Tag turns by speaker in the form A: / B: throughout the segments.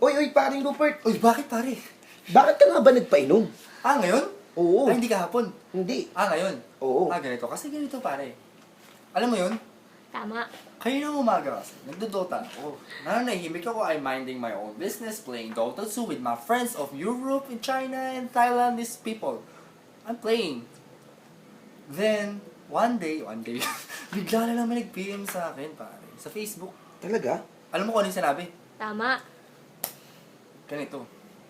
A: Uy, paring Rupert.
B: Uy, bakit pare?
A: Bakit ka nga ba nagpainom?
B: Ngayon?
A: Oo.
B: Hindi kahapon.
A: Hindi.
B: Ngayon?
A: Oo.
B: Ganito. Kasi ganito pare. Alam mo yun?
C: Tama.
B: Kanina umaga kasi, nagdodota ako. Nananahimik ako, I'm minding my own business, playing Dota 2 with my friends of Europe, and China, and Thailand, these people. I'm playing. Then, one day, bigla na lang may nag-PM sa akin, pare. Sa Facebook.
A: Talaga?
B: Alam mo kung ano yung sinabi?
C: Tama.
B: Ganito.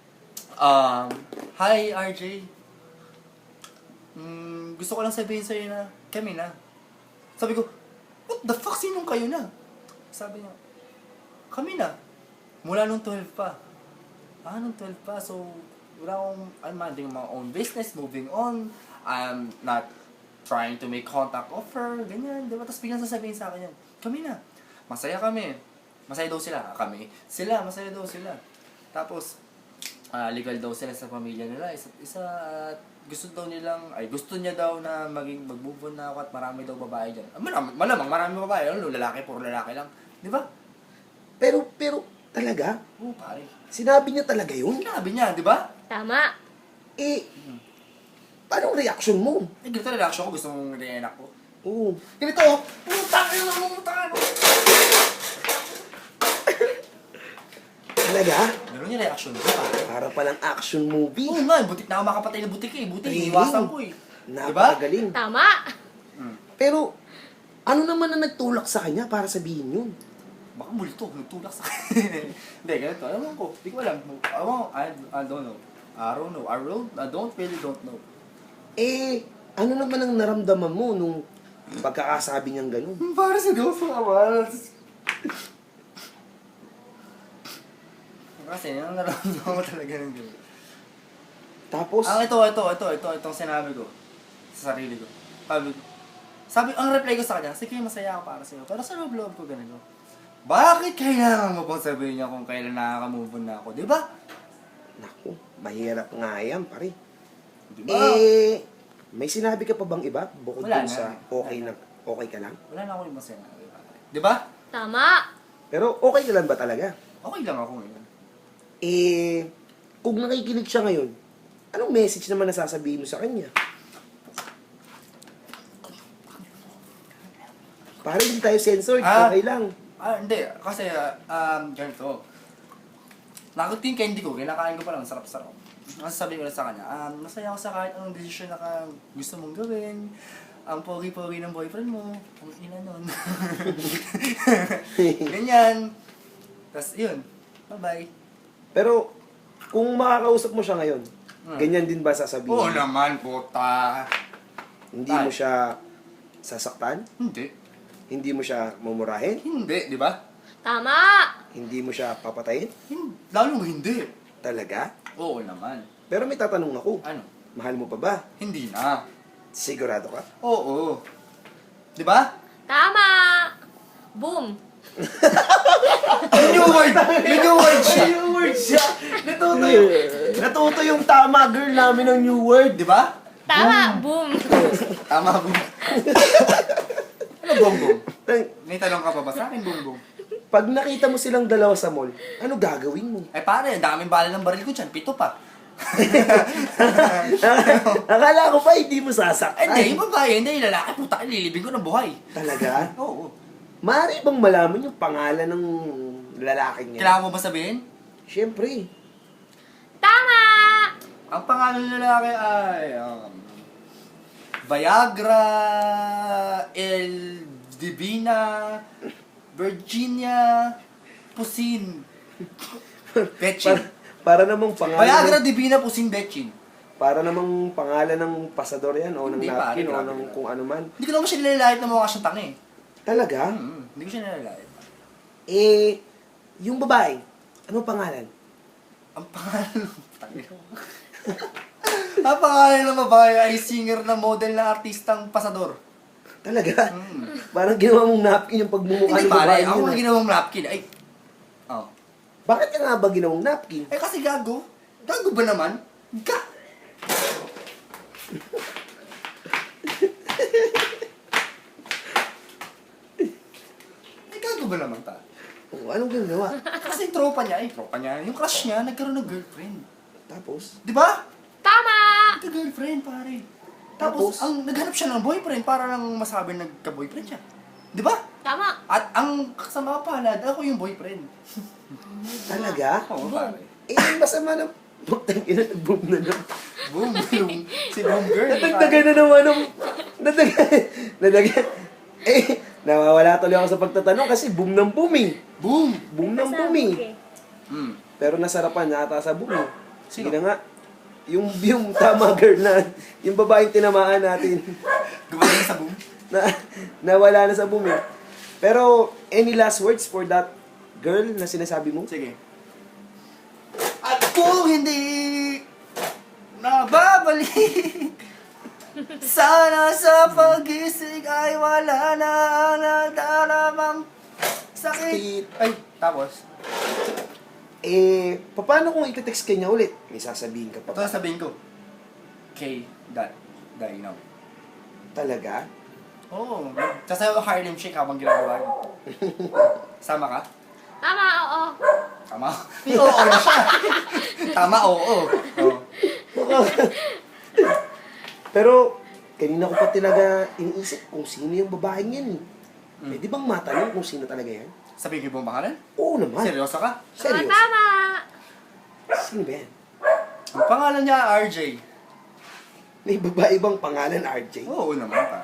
B: Hi, RJ. Gusto ko lang sabihin sa'yo na kami na. Sabi ko, what the fuck? Sinong kayo na? Sabi niya, kami na. Mula nung 12 pa. Nung 12 pa. So, wala akong, I'm minding my own business, moving on. I'm not trying to make contact of her. Ganyan, diba? Tapos biglang sasabihin sa akin yan, kami na. Masaya kami. Masaya daw sila. Kami. Sila, masaya daw sila. Tapos, legal daw sila sa pamilya nila. Isa, gusto niya daw na mag-move on na ako at marami daw babae dyan. Malamang marami babae. Lalaki, puro lalaki lang. Di ba?
A: Pero, talaga?
B: Oo, pare.
A: Sinabi niya talaga yun?
B: Sinabi niya, di ba?
C: Tama.
A: Paano ang reaction mo?
B: Ganito na reaction ko. Gusto mong re-enact ko.
A: Oo.
B: Ganito, putangin.
A: Talaga?
B: Meron yung reaction ko, pare.
A: Para palang action movie.
B: Oo nga, butik na ako makapatay na butik eh. Butik,
A: Really?
B: iwasan ko eh. Diba?
A: Napakagaling.
C: Tama.
A: Pero, ano naman ang nagtulak sa kanya para sabihin yun?
B: Baka multo, nagtulak sa akin. Hindi, ganito. Alam ko, di ko alam. I don't know. I don't know.
A: Ano naman ang naramdaman mo nung pagkakasabi niyang gano'n?
B: Para si Doso naman. Kasi, yung nararamdaman mo talaga ng gano'n.
A: Tapos,
B: Itong sinabi ko sa sarili ko. Ang reply ko sa kanya, sige, masaya ako para sa'yo. Pero sa loob ko ganito. Bakit kailangan mo pang sabihin niya kung kailan nakaka-move on na ako? Di ba?
A: naku, mahirap nga yan, pare.
B: Di ba?
A: May sinabi ka pa bang iba? Bukod
B: Wala
A: dun
B: na.
A: sa okay ka lang?
B: Wala na ako yung masaya. Di ba?
C: Tama.
A: Pero okay ka lang ba talaga?
B: Okay lang ako ngayon.
A: Kung nakikinig siya ngayon, anong message naman nasasabihin mo sa kanya? Para hindi tayo censored, okay lang.
B: Hindi. Kasi, ganito. Nakutin candy ko, kinakain ko pa lang, sarap-sarap. Kasi sabi ko na sa kanya, masaya ako sa kahit anong desisyon na gusto mong gawin. Ang pogi-pogi ng boyfriend mo, ang ina nun. Ganyan. Tapos, yun. Bye-bye.
A: Pero, kung makakausap mo siya ngayon, ganyan din ba sasabihin?
B: Oo naman, puta.
A: Hindi mo siya sasaktan?
B: Hindi.
A: Hindi mo siya mumurahin?
B: Hindi, di ba?
C: Tama.
A: Hindi mo siya papatayin?
B: Lalo hindi.
A: Talaga?
B: Oo naman.
A: Pero may tatanong ako.
B: Ano?
A: Mahal mo pa ba?
B: Hindi na.
A: Sigurado ka?
B: Oo. Di ba?
C: Tama. Boom.
B: New word! New word siya!
A: New word siya! Natuto yung tama girl namin ng new word.
B: Di ba?
C: Tama. Boom.
B: Tama, boom. Ano, bongbong? May tanong ka pa ba sa akin, bongbong?
A: Pag nakita mo silang dalawa sa mall, ano gagawin mo?
B: Ay pare, ang daming bala ng baril ko dyan. 7 pa.
A: Akala ko pa hindi mo sasaktan.
B: Hindi, yung babae, hindi, yung lalaki. Puta, lilibing ko ng buhay.
A: Talaga?
B: Oo.
A: Maaari bang malaman yung pangalan ng lalaking niya?
B: Kailangan mo ba sabihin?
A: Siyempre.
C: Tama.
B: Ang pangalan ng lalaki ay... Viagra, El Divina, Virginia, Pusin, Betchin.
A: Para namang pangalan
B: Viagra, Divina, Pusin, Betchin.
A: para namang pangalan ng pasador yan o ng
B: Hindi,
A: napkin
B: pare,
A: o
B: grabe,
A: ng
B: grabe.
A: kung ano man.
B: Hindi ko naman siya nilalait na mukha siyang tanga eh.
A: Talaga?
B: Hindi ko siya nilalait.
A: Yung babae, ano pangalan?
B: Ang pangalan ang pangalan ng babae ay singer na model na artistang pasador.
A: Talaga? Parang ginawa mong napkin yung pagmumukha
B: Hindi
A: ng babae
B: pare,
A: yun.
B: ako nga ginawang napkin. Ay,
A: Bakit ka nga ba ginawang napkin?
B: kasi gago. Gago ba naman? Ay, gago ba naman ta?
A: Anong ginawa?
B: Kasi yung tropa niya, yung crush niya, nagkaroon ng girlfriend.
A: Tapos?
B: Di ba?
C: Tama!
B: Nagka-girlfriend, pare.
A: Tapos?
B: Tapos, ang naghanap siya ng boyfriend para lang masabi nagka-boyfriend siya. Di ba?
C: Tama!
B: At ang kasama palad, ako yung boyfriend.
A: Talaga?
B: Oo, pare.
A: Eh, yung masama na... Buktan ina, nag-boom na naman.
B: Boom, si boom girl.
A: Nadagdagan na naman ng... Nadagdagan. Eh, nawawala tuloy ako sa pagtatanong kasi boom ng boom eh.
B: Boom!
A: Boom ng boom eh. Pero nasarapan na ata sa boom eh.
B: Sino?
A: Sige na nga. Yung tama girl na, yung babaeng tinamaan natin,
B: Gumaling sa boom.
A: nawala na sa boom eh. Pero, any last words for that girl na sinasabi mo?
B: Sige. At kung hindi nababalik, sana sa pag-isig ay wala na ang nagdaramang sakit. Ay, tapos?
A: Eh, paano kung iti-text ka niya ulit? May sasabihin ka pa.
B: Ito sabihin ko. K. Now.
A: Talaga?
B: Oo. Sasayaw ang Harlem Shake habang ginagawa niyo. Sama ka?
C: Tama, oo.
B: Tama? Oo na siya. Tama, oo.
A: Pero, kanina ko pa talaga iniisip kung sino yung babaeng yan eh. Pwede bang matanong kung sino talaga yan?
B: Sabihin ko yung pangalan?
A: Oo naman.
B: Seryoso ka?
A: Serious?
C: Tama!
A: Sino ba yan?
B: Ang pangalan niya, RJ.
A: May babae bang pangalan, RJ?
B: Oo naman pa.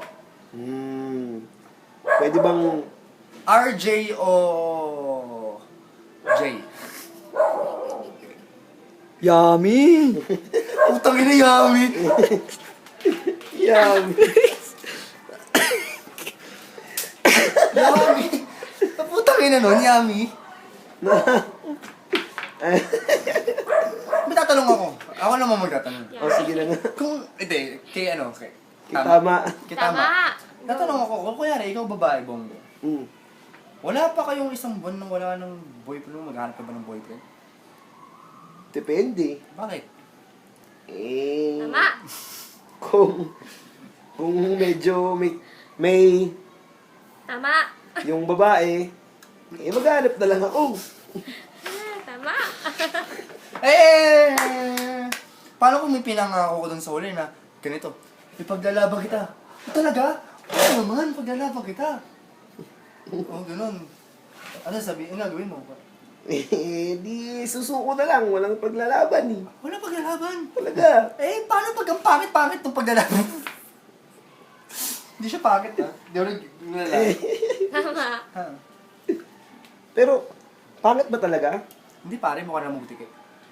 A: Pwede bang...
B: RJ o J?
D: Yummy!
B: Putang ina, Yami!
A: Yan.
B: Yami! Putang ina nun, Yami! May tatanong ako. Ako naman magtatanong.
A: O, sige na nga.
B: Kung, hindi, kay ano, kay...
A: Tama.
B: Kay
C: Tama!
B: Tatanong ako, kung kunyari, ikaw babae, Bongo.
A: Mm.
B: Wala pa kayong isang buwan nang wala ng boyfriend mo, maghanap ka ba ng boyfriend?
A: Depende.
B: Bakit?
A: Eh...
C: Tama!
A: Kung medyo may
C: Tama!
A: yung babae, eh maghanap na lang ako.
C: Tama!
B: Eh! Paano kung may pinangako ko dun sa uli na ganito? Ipaglalaban kita. Talaga? Oo naman, paglalaban kita. Oo, ganun. Ano sabihin? Ano gawin mo?
A: Eh, di susuko na lang. Walang paglalaban eh.
B: Wala paglalaban.
A: Talaga.
B: Eh, paano pag ang pangit-pangit ng paglalaban? Hindi siya pangit, ha? Hindi ako naglalaki.
C: Tama!
B: Ha?
A: Pero, pangit ba talaga?
B: Hindi pare, mukha na mutik eh.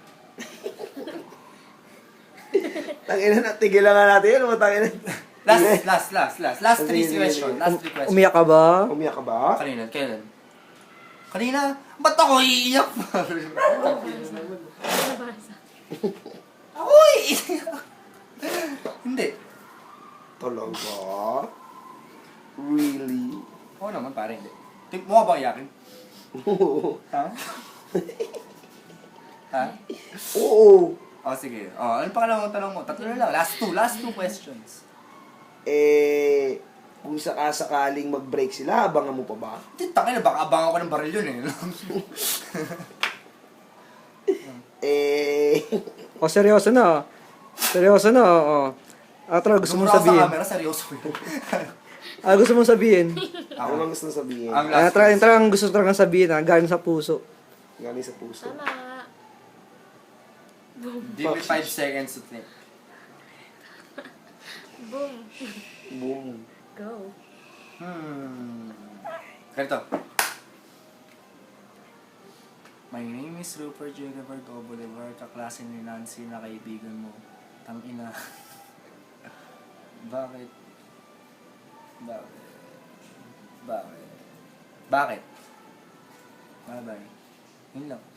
A: Tangina na, tigilan nga natin yun. Tangina.
B: Last three questions. Last three questions.
D: Umiyak ka ba?
A: Umiyak ka ba?
B: Kanina, kailan? Kanina? Ba't ako iiyak?
C: Nabasa.
B: Ako iiyak. Hindi.
A: Talaga? Really?
B: Oo naman pare, hindi. Mukha ba iyakin? Ha? Ha?
A: Oo.
B: Oh, sige. Oh, ano pangalawang tanong mo? Tatlo na lang. Last two questions.
A: Eh, kung sakasakaling mag-break sila, abangan mo pa ba?
B: Hindi, tangin na. Baka abangan ko ng baril yun eh.
A: Eh,
D: O, seryoso na. Seryoso na, oo. Tara, gusto mong
B: Gumura ka sa
D: sabihin.
B: camera, seryoso yun.
D: Gusto mong sabihin.
A: ano bang gusto sabihin?
B: Ang last
D: Tara, ang gusto talagang sabihin, galing sa puso.
A: Galing sa puso.
C: Tama!
B: Give me 5 seconds to think.
C: Boom!
A: Boom.
C: Go!
B: Ganito. My name is Rupert Juniper Bolivar, kaklase ni Nancy na kaibigan mo. Tangina. Bakit? Bye-bye. Yun lang.